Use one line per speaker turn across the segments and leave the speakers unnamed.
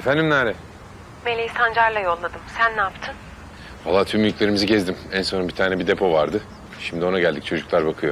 Efendim Nare?
Meleği Sancar'la yolladım. Sen ne yaptın?
Vallahi tüm mülklerimizi gezdim. En son bir depo vardı. Şimdi ona geldik, çocuklar bakıyor.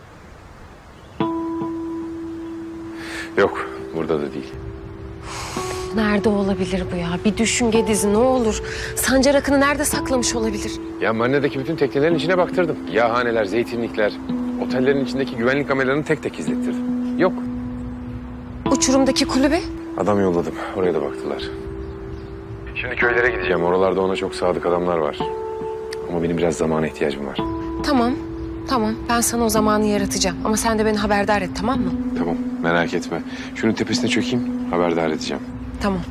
Yok, burada da değil.
Nerede olabilir bu ya? Bir düşün Gediz'i ne olur. Sancar Akın'ı nerede saklamış olabilir?
Ya marinadaki bütün teknelerin içine baktırdım. Yağhaneler, zeytinlikler, otellerin içindeki güvenlik kameralarını tek tek izlettirdim. Yok.
Uçurumdaki kulübe?
Adam yolladım, oraya da baktılar. Şimdi köylere gideceğim. Oralarda ona çok sadık adamlar var. Ama benim biraz zamana ihtiyacım var.
Tamam, tamam. Ben sana o zamanı yaratacağım. Ama sen de beni haberdar et, tamam mı?
Tamam, merak etme. Şunun tepesine çökeyim, haberdar edeceğim.
Tamam.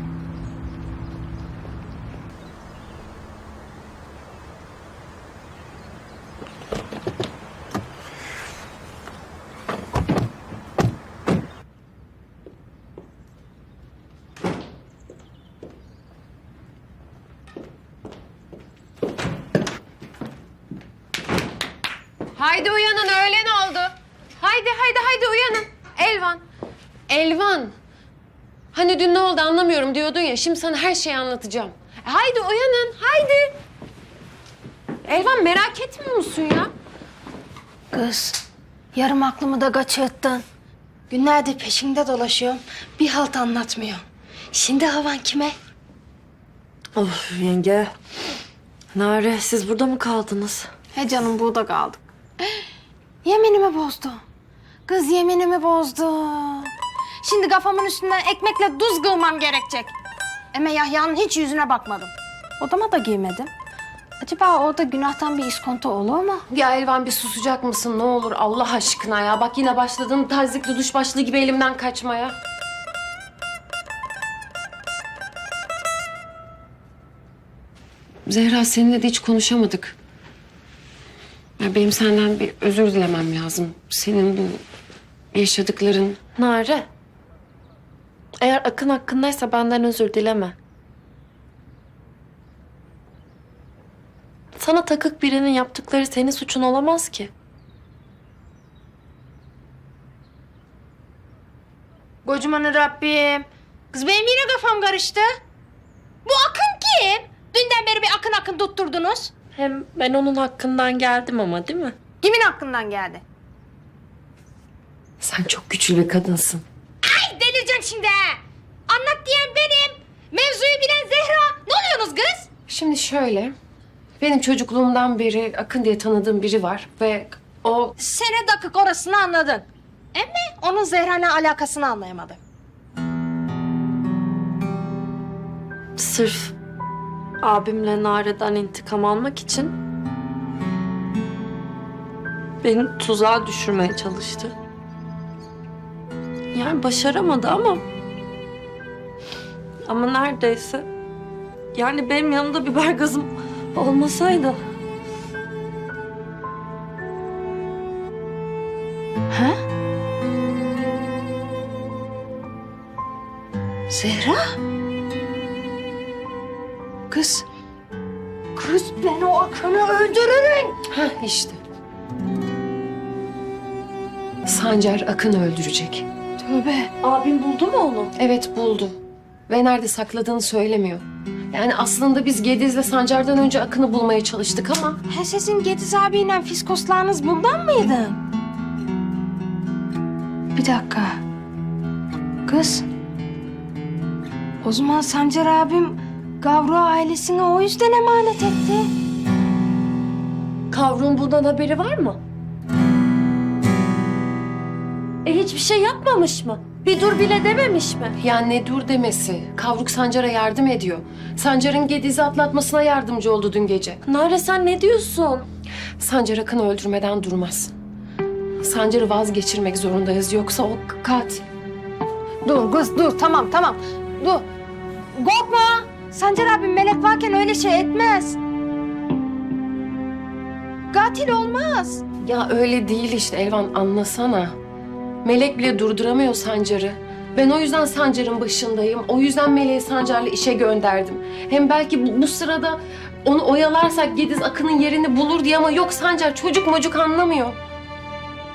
Haydi uyanın, öğlen oldu. Haydi uyanın. Elvan. Elvan. Hani dün ne oldu anlamıyorum diyordun ya. Şimdi sana her şeyi anlatacağım. Haydi uyanın, haydi. Elvan merak etmiyor musun ya?
Kız, yarım aklımı da kaçırttın. Günlerdir peşinde dolaşıyorum. Bir halt anlatmıyor. Şimdi havan kime?
Of yenge. Nare siz burada mı kaldınız?
He canım burada kaldık. Yeminimi bozdu. Kız yeminimi bozdu. Şimdi kafamın üstünden ekmekle tuz kılmam gerekecek. Ama Yahya'nın hiç yüzüne bakmadım. Odama da girmedim. Acaba orada günahtan bir iskonto olur mu?
Ya Elvan bir susacak mısın ne olur Allah aşkına ya. Bak yine başladın tazikli duş başlığı gibi elimden kaçmaya. Zehra seninle de hiç konuşamadık. Ya benim senden bir özür dilemem lazım. Senin bu yaşadıkların...
Nare. Eğer Akın hakkındaysa benden özür dileme. Sana takık birinin yaptıkları senin suçun olamaz ki.
Kocaman Rabbim. Kız benim yine kafam karıştı. Bu Akın kim? Dünden beri bir Akın tutturdunuz.
Hem ben onun hakkından geldim ama değil mi?
Kimin hakkından geldi?
Sen çok güçlü bir kadınsın.
Ay delireceğim şimdi ha. Anlat diyen benim. Mevzuyu bilen Zehra. Ne oluyorsunuz kız?
Şimdi şöyle... Benim çocukluğumdan beri Akın diye tanıdığım biri var ve o...
Sene dakik orasını anladın. Ama onun Zehra'yla alakasını anlayamadım.
Sırf abimle Nare'den intikam almak için beni tuzağa düşürmeye çalıştı. Yani başaramadı ama neredeyse. Yani benim yanımda biber gazım olmasaydı.
Ha? Zehra? Kız. Kız ben o Akın'ı öldürürüm.
Hah işte. Sancar Akın'ı öldürecek.
Tövbe.
Abim buldu mu onu?
Evet buldu. Ve nerede sakladığını söylemiyor. Yani aslında biz Gediz'le Sancar'dan önce Akın'ı bulmaya çalıştık ama...
Ha sizin Gediz abiyle fiskoslarınız bundan mıydı? Bir dakika. Kız. O zaman Sancar abim Gavru ailesine o yüzden emanet etti.
Kavrun bundan haberi var mı? Hiçbir şey yapmamış mı? Bir dur bile dememiş mi?
Ya ne dur demesi. Kavruk Sancar'a yardım ediyor. Sancar'ın Gediz'i atlatmasına yardımcı oldu dün gece.
Nare sen ne diyorsun?
Sancar Akın'ı öldürmeden durmaz. Sancar'ı vazgeçirmek zorundayız yoksa o katil.
Dur kız dur tamam. Dur. Korkma. Sancar abim melek varken öyle şey etmez. Katil olmaz.
Ya öyle değil işte Elvan anlasana. Melek bile durduramıyor Sancar'ı. Ben o yüzden Sancar'ın başındayım. O yüzden Melek'i Sancar'la işe gönderdim. Hem belki bu sırada onu oyalarsak Gediz Akın'ın yerini bulur diye ama yok Sancar çocuk mocuk anlamıyor.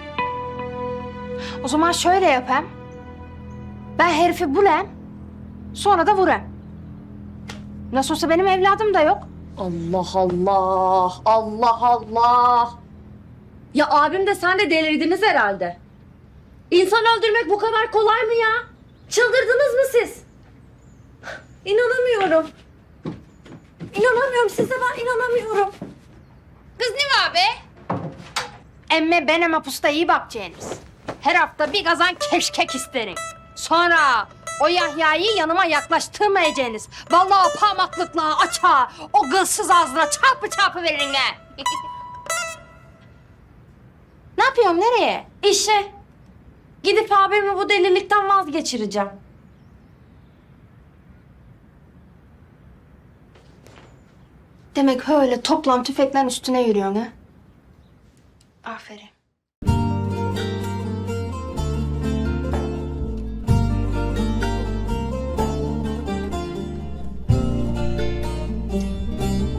O zaman şöyle yapayım. Ben herifi bulayım. Sonra da vurayım. Nasıl olsa benim evladım da yok.
Allah Allah, Allah Allah. Ya abim de sen de delirdiniz herhalde. İnsan öldürmek bu kadar kolay mı ya? Çıldırdınız mı siz? İnanamıyorum. İnanamıyorum size, ben inanamıyorum.
Kız ne var be? Emme benim mapusta iyi bakacaksınız. Her hafta bir kazan keşkek isterim. Sonra o Yahya'yı yanıma yaklaştırmayacaksınız. Vallahi o parmaklıkla açar, o kılsız ağzına çarpı çarpı veririm ha. Ne yapıyorum, nereye?
İşe. Gidip abimi bu delilikten vazgeçireceğim.
Demek öyle toplam tüfeklerin üstüne yürüyorsun ha? Aferin.